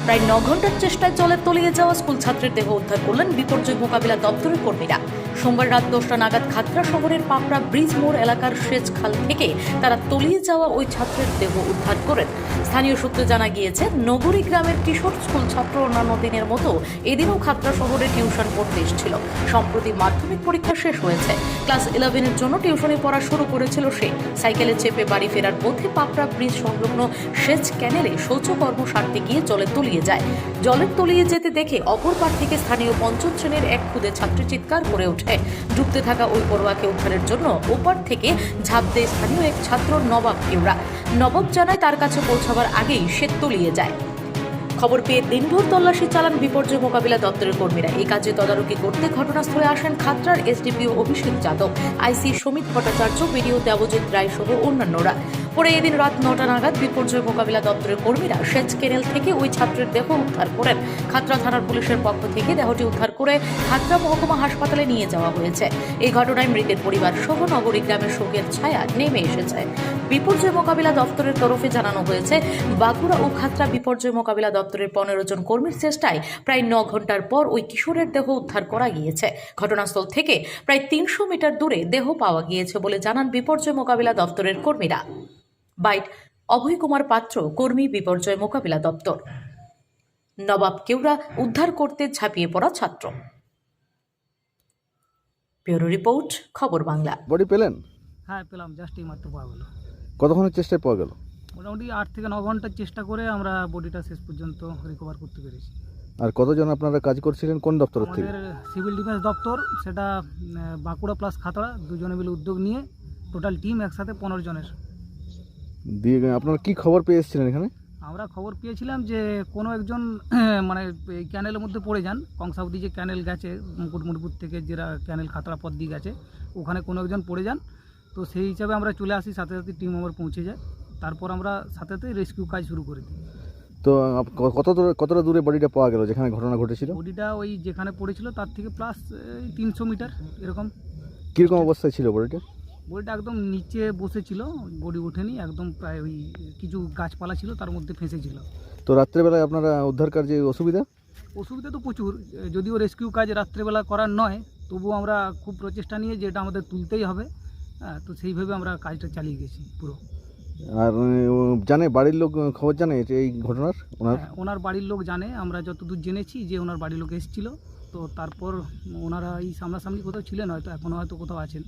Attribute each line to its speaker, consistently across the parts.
Speaker 1: প্রায় 9 ঘন্টার চেষ্টায় জলে তলিয়ে যাওয়া স্কুল ছাত্রের দেহ উদ্ধার করলেন বিপর্যয় মোকাবিলা দপ্তরের কর্মীরা। সোমবার রাত 10টা নাগাদ খাতড়া শহরের পাপড়া ব্রিজ মোড় এলাকার সেচ খাল থেকে তারা তলিয়ে যাওয়া ওই ছাত্রের দেহ উদ্ধার করেন। স্থানীয় সূত্রে জানা গিয়েছে, নগরী গ্রামের কিশোর স্কুল ছাত্র অন্যান্য দিনের মতো এদিনও খাতড়া শহরে টিউশন পড়তে এসেছিল। সম্প্রতি মাধ্যমিক পরীক্ষা শেষ হয়েছে। ক্লাস 11-এর জন্য টিউশনে পড়া শুরু করেছিল সে। সাইকেলে চেপে বাড়ি ফেরার পথে পাপড়া ব্রিজ সংলগ্ন সেচ ক্যানেলে শৌচকর্ম সারতে গিয়ে জলে তলিয়ে যায়। জলে তলিয়ে যেতে দেখে অপর পার থেকে স্থানীয় পঞ্চম শ্রেণীর এক খুদে ছাত্রী চিৎকার করে ওঠে। ডুবতে থাকা ওই পড়ুয়াকে উদ্ধারের জন্য ওপার থেকে ঝাঁপ দেয় স্থানীয় এক ছাত্র নবাব কেউরা। নবাব জানায় তার কাছে পৌঁছাবার আগেই সে তলিয়ে যায়। খবর পেয়ে দিনভর তল্লাশি চালান বিপর্যয় মোকাবিলা দপ্তরের কর্মীরা। এই কাজে তদারকি করতে ঘটনাস্থলে আসেন খাতড়ার SDPO Abhishek Yadav, IC Samit Bhattacharya, BDO Debjit Roy সহ অন্যান্যরা। পরে এদিন রাত 9টা নাগাদ বিপর্যয় মোকাবিলা দপ্তরের কর্মীরা সেচ ক্যানেল থেকে ওই ছাত্রের দেহ উদ্ধার করেন। খাতড়া থানার পুলিশের পক্ষ থেকে দেহটি উদ্ধার করে খাতড়া মহকুমা হাসপাতালে নিয়ে যাওয়া হয়েছে। এই ঘটনায় মৃতের পরিবার সহ নগরী গ্রামের শোকের ছায়া নেমে এসেছে। বিপর্যয় মোকাবিলা দপ্তরের তরফে জানানো হয়েছে, বাঁকুড়া ও খাতড়া বিপর্যয় মোকাবিলা দপ্তরের 15 জন কর্মীর চেষ্টায় প্রায় 9 ঘন্টার পর ওই কিশোরের দেহ উদ্ধার করা গিয়েছে। ঘটনাস্থল থেকে প্রায় 300 মিটার দূরে দেহ পাওয়া গিয়েছে বলে জানান বিপর্যয় মোকাবিলা দপ্তরের কর্মীরা। বাইট অভয় কুমার পাত্র, কর্মী, বিপর্যয় মোকাবিলা দপ্তর। নবাব কেউরা উদ্ধার করতে ঝাঁপিয়ে পড়া ছাত্র। ব্যুরো রিপোর্ট, খবর বাংলা।
Speaker 2: বডি পেলেন?
Speaker 3: হ্যাঁ পেলাম, জাস্ট এই মাত্র পাওয়া গেল।
Speaker 2: কতক্ষণের চেষ্টায় পাওয়া গেল?
Speaker 3: মোটামুটি 8 থেকে 9 ঘন্টার চেষ্টা করে আমরা বডিটা শেষ পর্যন্ত রিকভার করতে পেরেছি।
Speaker 2: আর কতজন আপনারা কাজ করছিলেন, কোন দপ্তর থেকে?
Speaker 3: আমাদের সিভিল ডিফেন্স দপ্তর, সেটা বাঁকুড়া প্লাস খাতড়া দুজনে মিলে উদ্যোগ নিয়ে টোটাল টিম একসাথে 15 জনের।
Speaker 2: দিয়ে আপনারা কি খবর পেয়ে এসেছিলেন এখানে?
Speaker 3: আমরা খবর পেয়েছিলাম যে কোনো একজন মানে এই ক্যানেলের মধ্যে পড়ে যান। কংসাবতী যে ক্যানেল গেছে মুকুটমণিপুর থেকে, যেটা ক্যানেল খাতড়া পথ দিয়ে গেছে, ওখানে কোনো একজন পড়ে যান। তো সেই হিসাবে আমরা চলে আসি, সাথে সাথে টিম মেম্বার পৌঁছে যায়। তারপর আমরা সাথে সাথে রেস্কিউ কাজ শুরু করে দিই।
Speaker 2: তো কতটা দূরে বডিটা পাওয়া গেল যেখানে ঘটনা ঘটেছিল?
Speaker 3: বডিটা ওই যেখানে পড়েছিল তার থেকে প্লাস 300 মিটার এরকম।
Speaker 2: কীরকম অবস্থায় ছিল বডিটা?
Speaker 3: বডিটা একদম নিচে বসেছিল, বডি ওঠেনি, একদম প্রায় ওই কিছু গাছপালা ছিল তার মধ্যে ফেঁসেছিল।
Speaker 2: তো রাত্রেবেলায় আপনারা উদ্ধার কার্যে অসুবিধা
Speaker 3: তো প্রচুর, যদিও রেস্কিউ কাজ রাত্রেবেলা করার নয়, তবুও আমরা খুব প্রচেষ্টা নিয়ে যে এটা আমাদের তুলতেই হবে। তো সেইভাবে আমরা কাজটা চালিয়ে গেছি পুরো।
Speaker 2: আর জানে বাড়ির লোক খবর জানে এই ঘটনার?
Speaker 3: ওনার বাড়ির লোক জানে। আমরা যতদূর জেনেছি যে ওনার বাড়ির লোক এসেছিল, তো তারপর ওনারা এই সামনাসামনি কোথাও ছিলেন, হয়তো এখনও হয়তো কোথাও আছেন।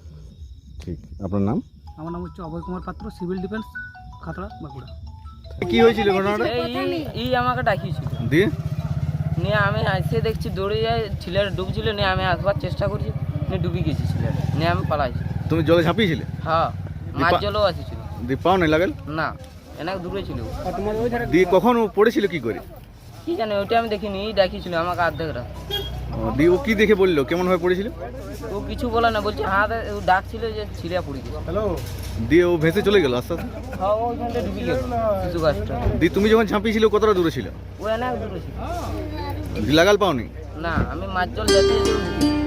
Speaker 2: ঠিক, আপনার নাম?
Speaker 3: আমার নাম হচ্ছে অভয় কুমার পাত্র, সিভিল ডিফেন্স, খাতড়া, বাঁকুড়া।
Speaker 2: কি হয়েছিল ঘটনাটা?
Speaker 4: এই আমাকে ডাকিয়েছিল,
Speaker 2: দিয়ে
Speaker 4: নিয়ে আমি এসে দেখছি দৌড়ে যায়, ছেলেটা ডুবছিল, নিয়ে আমি আসবার চেষ্টা করছি, নিয়ে ডুবে গেছি ছেলেটা, নিয়ে আমি পালাইছি।
Speaker 2: তুমি জলে ঝাঁপিয়েছিলে?
Speaker 4: হ্যাঁ, মাছ জলও আসছিল।
Speaker 2: দিয়ে পাও নাই লাগেল?
Speaker 4: না, এনাক দূরে ছিল।
Speaker 2: দিয়ে কখন ও পড়েছিল কি করে?
Speaker 4: কি জানি, ওইটা আমি দেখিনি, ডাকিয়েছিল আমাকে অর্ধেক রাত।
Speaker 2: দিয়ে ও কি দেখে বললো, কেমন ভাবে পড়েছিল?
Speaker 4: ও কিছু বলে না, বলছে হাত ডাকছিল যে ছিঁড়ে পড়ে গেছে।
Speaker 2: দিয়ে ও ভেসে চলে গেল আস্তে আস্তে?
Speaker 4: হ্যাঁ, ওইখানটা ডুবে গেল শিশু গাছটা।
Speaker 2: দিয়ে তুমি যখন ঝাঁপিয়েছিল কতটা দূরে ছিল?
Speaker 4: ও এনাক দূরে ছিল।
Speaker 2: লাগাল পাওনি?
Speaker 4: না, আমি মাছ জল যাচ্ছি।